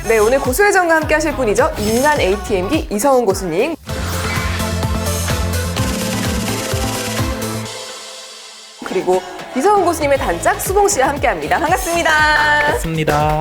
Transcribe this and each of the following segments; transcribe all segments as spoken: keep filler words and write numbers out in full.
네, 오늘 고수회전과 함께 하실 분이죠. 인간 에이티엠기 이성훈 고수님. 그리고 이성훈 고수님의 단짝 수봉 씨와 함께 합니다. 반갑습니다. 반갑습니다.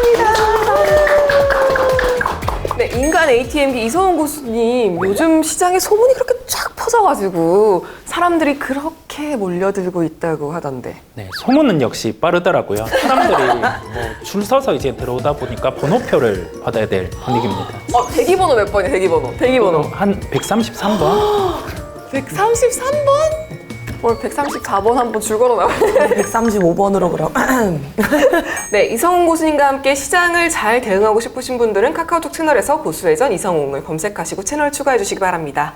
네, 인간 에이티엠기 이성훈 고수님, 요즘 시장에 소문이 그렇게 쫙 퍼져가지고 사람들이 그렇게 몰려들고 있다고 하던데. 네, 소문은 역시 빠르더라고요. 사람들이 뭐 줄 서서 이제 들어오다 보니까 번호표를 받아야 될 분위기입니다. 어, 대기번호 몇 번이에요, 대기번호? 대기번호. 한 백삼십삼 번? 백삼십삼 번? 오늘 백삼십사 번 한번 줄 걸어놔요. 백삼십오 번으로 그럼. 네, 이성훈 고수님과 함께 시장을 잘 대응하고 싶으신 분들은 카카오톡 채널에서 고수회전 이성훈을 검색하시고 채널 추가해 주시기 바랍니다.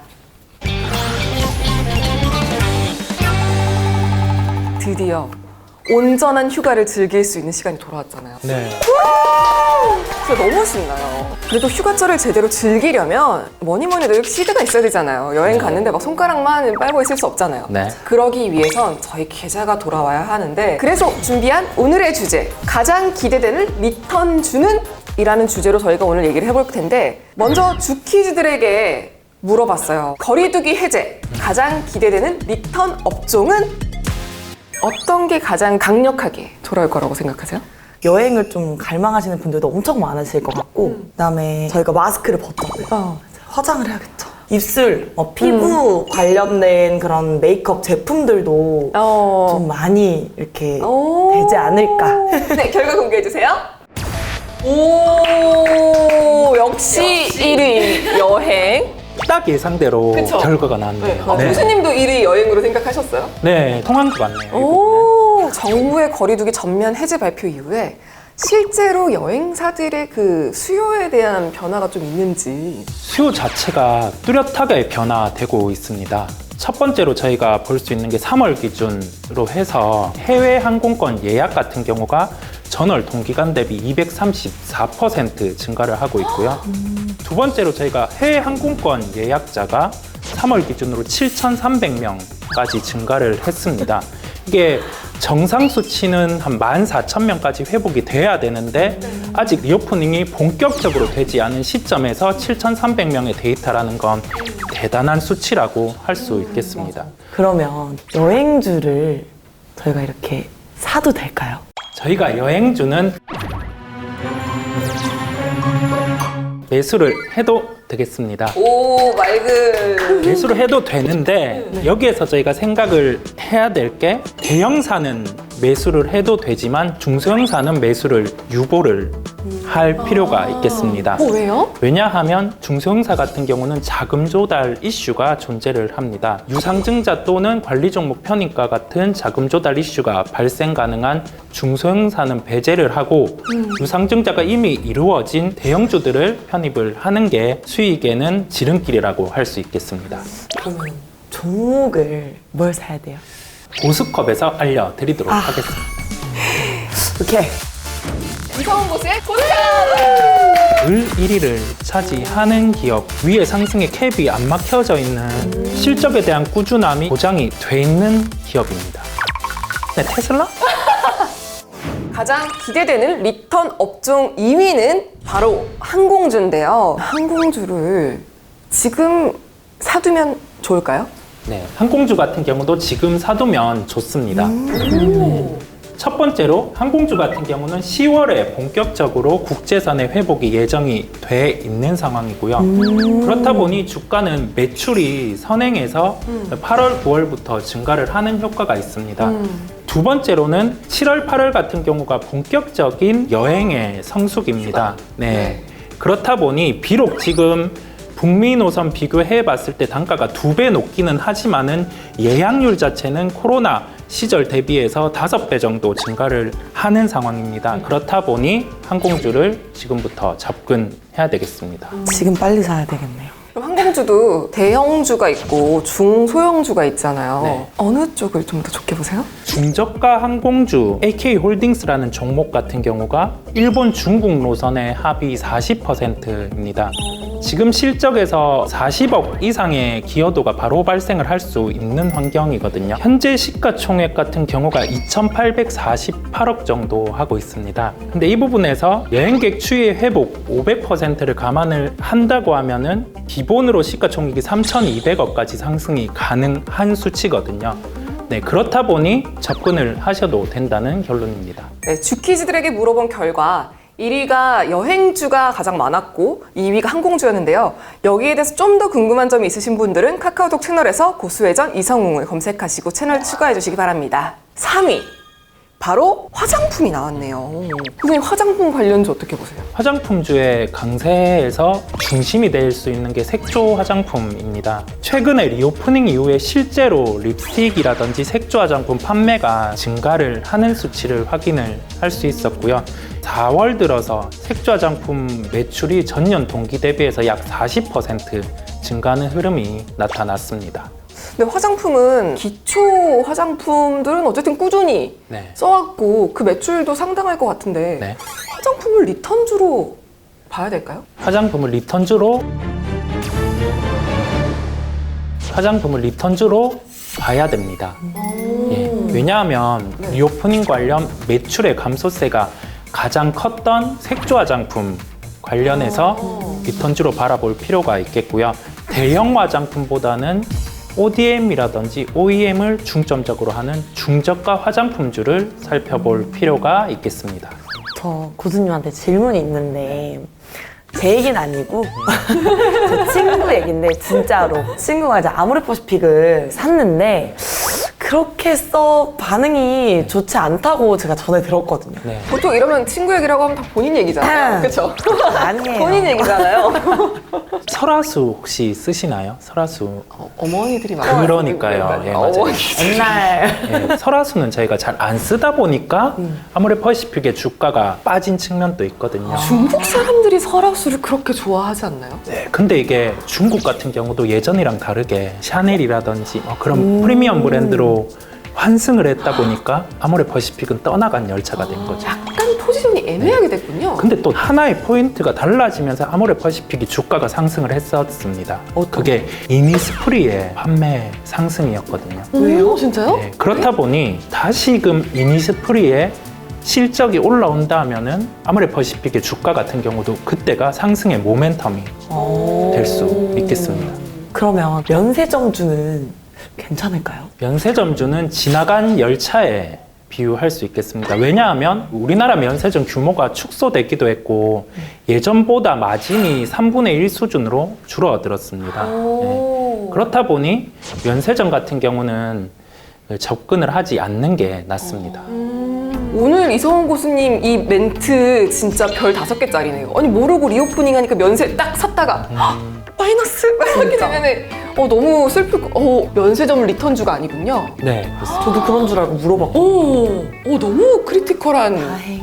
드디어 온전한 휴가를 즐길 수 있는 시간이 돌아왔잖아요. 네. 진짜 너무 신나요. 그래도 휴가철을 제대로 즐기려면 뭐니 뭐니 해도 시드가 있어야 되잖아요. 여행 갔는데 막 손가락만 빨고 있을 수 없잖아요. 네. 그러기 위해선 저희 계좌가 돌아와야 하는데, 그래서 준비한 오늘의 주제, 가장 기대되는 리턴 주는 이라는 주제로 저희가 오늘 얘기를 해볼 텐데, 먼저 주키즈들에게 물어봤어요. 거리두기 해제, 가장 기대되는 리턴 업종은 어떤 게 가장 강력하게 돌아올 거라고 생각하세요? 여행을 좀 갈망하시는 분들도 엄청 많으실 것 같고, 음. 그다음에 저희가 마스크를 벗자고요. 어. 화장을 해야겠죠. 입술, 어, 피부 관련된 그런 메이크업 제품들도 어. 좀 많이 이렇게 오. 되지 않을까. 네, 결과 공개해주세요. 오, 역시 일 위 여행. 딱 예상대로 그쵸? 결과가 나왔네요. 아, 네. 교수님도 일 위 여행으로 생각하셨어요? 네, 통한 것 같네요. 이 부분은. 오, 정부의 거리두기 전면 해제 발표 이후에 실제로 여행사들의 그 수요에 대한 변화가 좀 있는지. 수요 자체가 뚜렷하게 변화되고 있습니다. 첫 번째로 저희가 볼 수 있는 게 삼월 기준으로 해서 해외 항공권 예약 같은 경우가 전월 동기간 대비 이백삼십사 퍼센트 증가를 하고 있고요. 두 번째로 저희가 해외 항공권 예약자가 삼월 기준으로 칠천삼백 명까지 증가를 했습니다. 이게 정상 수치는 한 만 사천 명까지 회복이 돼야 되는데 아직 리오프닝이 본격적으로 되지 않은 시점에서 칠천삼백 명의 데이터라는 건 대단한 수치라고 할 수 있겠습니다. 그러면 여행주를 저희가 이렇게 사도 될까요? 저희가 여행주는 매수를 해도 되겠습니다. 오, 맑은. 매수를 해도 되는데 여기에서 저희가 생각을 해야 될 게, 대형사는 매수를 해도 되지만 중소형사는 매수를 유보를 할 필요가 있겠습니다. 어, 왜요? 왜냐하면 중소형사 같은 경우는 자금 조달 이슈가 존재를 합니다. 유상증자 또는 관리 종목 편입과 같은 자금 조달 이슈가 발생 가능한 중소형사는 배제를 하고, 음. 유상증자가 이미 이루어진 대형주들을 편입을 하는 게 수익에는 지름길이라고 할 수 있겠습니다. 그러면 종목을 뭘 사야 돼요? 고스컵에서 알려드리도록 아. 하겠습니다. 이렇게 이성훈 고수의 고수장! 늘 일 위를 차지하는 기업, 위에 상승의 캡이 안 막혀져 있는 실적에 대한 꾸준함이 보장이 돼 있는 기업입니다. 네, 테슬라? 가장 기대되는 리턴 업종 이 위는 바로 항공주인데요. 항공주를 지금 사두면 좋을까요? 네, 항공주 같은 경우도 지금 사두면 좋습니다. 오. 첫 번째로 항공주 같은 경우는 시월에 본격적으로 국제선의 회복이 예정이 돼 있는 상황이고요. 그렇다 보니 주가는 매출이 선행해서 팔월, 구월부터 증가를 하는 효과가 있습니다. 음. 두 번째로는 칠월, 팔월 같은 경우가 본격적인 여행의 성수기입니다. 네. 그렇다 보니 비록 지금 북미 노선 비교해 봤을 때 단가가 두 배 높기는 하지만은 예약률 자체는 코로나 시절 대비해서 다섯 배 정도 증가를 하는 상황입니다. 그렇다 보니 항공주를 지금부터 접근해야 되겠습니다. 지금 빨리 사야 되겠네요. 그럼 항공주도 대형주가 있고 중소형주가 있잖아요. 네. 어느 쪽을 좀 더 좋게 보세요? 중저가 항공주 에이케이홀딩스라는 종목 같은 경우가 일본, 중국 노선의 합이 사십 퍼센트입니다. 지금 실적에서 사십억 이상의 기여도가 바로 발생을 할 수 있는 환경이거든요. 현재 시가총액 같은 경우가 이천팔백사십팔억 정도 하고 있습니다. 근데 이 부분에서 여행객 추이 회복 오백 퍼센트를 감안을 한다고 하면은 기본으로 시가총액이 삼천이백억까지 상승이 가능한 수치거든요. 네, 그렇다 보니 접근을 하셔도 된다는 결론입니다. 네, 주키즈들에게 물어본 결과 일 위가 여행주가 가장 많았고 이 위가 항공주였는데요. 여기에 대해서 좀 더 궁금한 점이 있으신 분들은 카카오톡 채널에서 고수회전 이성웅을 검색하시고 채널 추가해 주시기 바랍니다. 삼 위 바로 화장품이 나왔네요. 선생님, 화장품 관련주 어떻게 보세요? 화장품주의 강세에서 중심이 될 수 있는 게 색조 화장품입니다. 최근에 리오프닝 이후에 실제로 립스틱이라든지 색조 화장품 판매가 증가를 하는 수치를 확인을 할 수 있었고요. 사월 들어서 색조 화장품 매출이 전년 동기 대비해서 약 사십 퍼센트 증가하는 흐름이 나타났습니다. 근데 화장품은 기초 화장품들은 어쨌든 꾸준히 네. 써왔고 그 매출도 상당할 것 같은데 네. 화장품을 리턴주로 봐야 될까요? 화장품을 리턴주로 화장품을 리턴주로 봐야 됩니다. 예, 왜냐하면 리오프닝 관련 매출의 감소세가 가장 컸던 색조 화장품 관련해서 리턴주로 바라볼 필요가 있겠고요. 대형 화장품보다는 오디엠이라든지 오이엠을 중점적으로 하는 중저가 화장품주를 살펴볼 필요가 있겠습니다. 저 고수님한테 질문이 있는데 제 얘기는 아니고 제 친구 얘기인데 진짜로 친구가 이제 아모레퍼시픽을 샀는데 그렇게 써 반응이 좋지 않다고 제가 전에 들었거든요. 네. 보통 이러면 친구 얘기라고 하면 다 본인 얘기잖아요. 그렇죠? 아니에요. 본인 얘기잖아요. 설화수 혹시 쓰시나요? 설화수. 어, 어머니들이 많이 그러니까요. 예, 맞아요. 어머니. 옛날 예, 설화수는 저희가 잘 안 쓰다 보니까 아모레퍼시픽의 주가가 빠진 측면도 있거든요. 중국 사람들이 설화수를 그렇게 좋아하지 않나요? 네, 근데 이게 중국 같은 경우도 예전이랑 다르게 샤넬이라든지 뭐 그런 프리미엄 브랜드로 환승을 했다 보니까 아모레퍼시픽은 떠나간 열차가 된 거죠. 약간 포지션이 애매하게 됐군요. 근데 또 하나의 포인트가 달라지면서 아모레퍼시픽이 주가가 상승을 했었습니다. 그게 이니스프리의 판매 상승이었거든요. 왜요? 진짜요? 네, 그렇다 보니 다시금 이니스프리의 실적이 올라온다 하면은 아모레퍼시픽의 주가 같은 경우도 그때가 상승의 모멘텀이 될 수 있겠습니다. 그러면 면세점주는 괜찮을까요? 면세점주는 지나간 열차에 비유할 수 있겠습니다. 왜냐하면 우리나라 면세점 규모가 축소되기도 했고 예전보다 마진이 삼분의 일 수준으로 줄어들었습니다. 네. 그렇다 보니 면세점 같은 경우는 접근을 하지 않는 게 낫습니다. 오늘 이성훈 고수님 이 멘트 진짜 별 다섯 개짜리네요. 아니 모르고 리오프닝 하니까 면세 딱 샀다가 헉, 마이너스 이렇게 되면은 어, 너무 슬플 거. 어, 면세점 리턴주가 아니군요. 네, 그렇습니다. 저도 그런 줄 알고 물어봤고 오, 오 너무 크리티컬한 다행.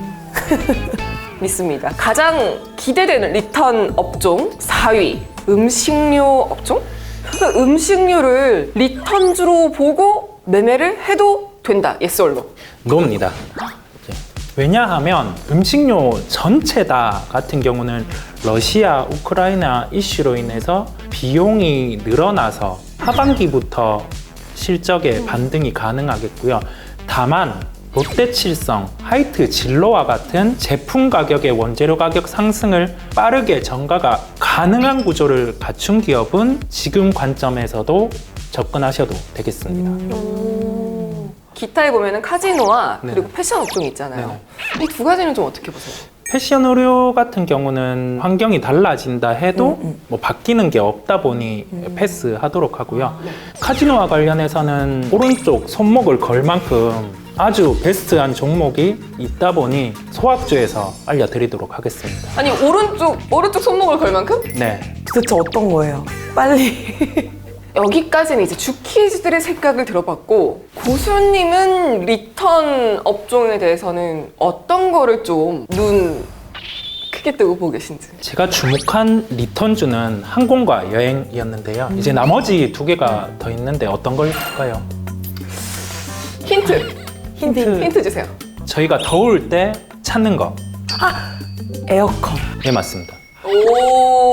믿습니다. 가장 기대되는 리턴 업종 사 위 음식료 업종? 그러니까 음식료를 리턴주로 보고 매매를 해도 된다. 예스 올로. 노입니다. 왜냐하면 음식료 전체 다 같은 경우는 러시아, 우크라이나 이슈로 인해서 비용이 늘어나서 하반기부터 실적에 반등이 가능하겠고요. 다만 롯데칠성, 하이트 진로와 같은 제품 가격의 원재료 가격 상승을 빠르게 전가가 가능한 구조를 갖춘 기업은 지금 관점에서도 접근하셔도 되겠습니다. 음. 기타에 보면은 카지노와 네. 그리고 패션 업종이 있잖아요. 이 두 가지는 좀 어떻게 보세요? 패션 의류 같은 경우는 환경이 달라진다 해도 음, 음. 뭐 바뀌는 게 없다 보니 패스하도록 하고요. 카지노와 관련해서는 오른쪽 손목을 걸 만큼 아주 베스트한 종목이 있다 보니 소학주에서 알려드리도록 하겠습니다. 아니 오른쪽 오른쪽 손목을 걸 만큼? 네, 도대체 어떤 거예요? 빨리. 여기까지는 이제 주키즈들의 생각을 들어봤고 고수님은 리턴 업종에 대해서는 어떤 거를 좀 눈 크게 뜨고 보고 계신지. 제가 주목한 리턴주는 항공과 여행이었는데요. 이제 나머지 두 개가 더 있는데 어떤 걸까요? 힌트, 힌트. 힌트 주세요. 저희가 더울 때 찾는 거. 에어컨. 네, 맞습니다. 오.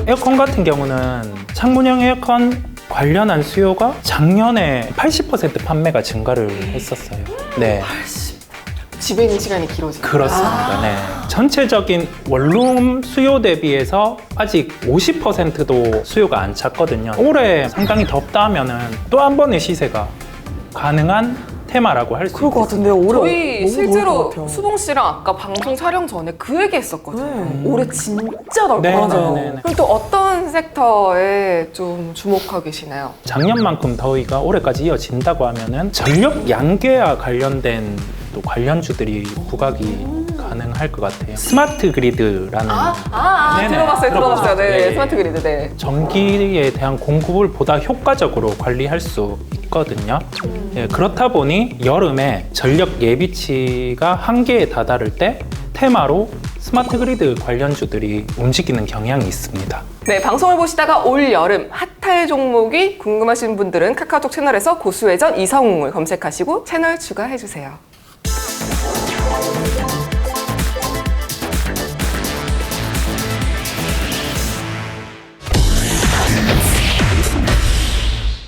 에어컨 같은 경우는 창문형 에어컨 관련한 수요가 작년에 팔십 퍼센트 판매가 증가를 했었어요. 네. 집에 있는 시간이 길어지고. 그렇습니다. 네. 전체적인 원룸 수요 대비해서 아직 오십 퍼센트도 수요가 안 찼거든요. 올해 상당히 덥다 하면은 또 한 번의 시세가 가능한 테마라고 할 수 그럴 것 있습니다. 같은데요. 올해 저희 너무 실제로 더울 것 같아요. 수봉 씨랑 아까 방송 촬영 전에 그 얘기 했었거든요. 네. 올해 진짜 넓 네, 것 같아요. 네, 네, 네. 그럼 또 어떤 섹터에 좀 주목하고 계시나요? 작년만큼 더위가 올해까지 이어진다고 하면은 전력 양계와 관련된 또 관련주들이 부각이 가능할 것 같아요. 스마트 그리드라는 아, 아, 아 네네. 들어봤어요, 들어봤어요. 네, 네. 스마트 그리드, 네. 전기에 대한 공급을 보다 효과적으로 관리할 수 있거든요. 예, 그렇다 보니 여름에 전력 예비치가 한계에 다다를 때 테마로 스마트 그리드 관련주들이 움직이는 경향이 있습니다. 네, 방송을 보시다가 올 여름 핫할 종목이 궁금하신 분들은 카카오톡 채널에서 고수회전 이성웅을 검색하시고 채널 추가해주세요.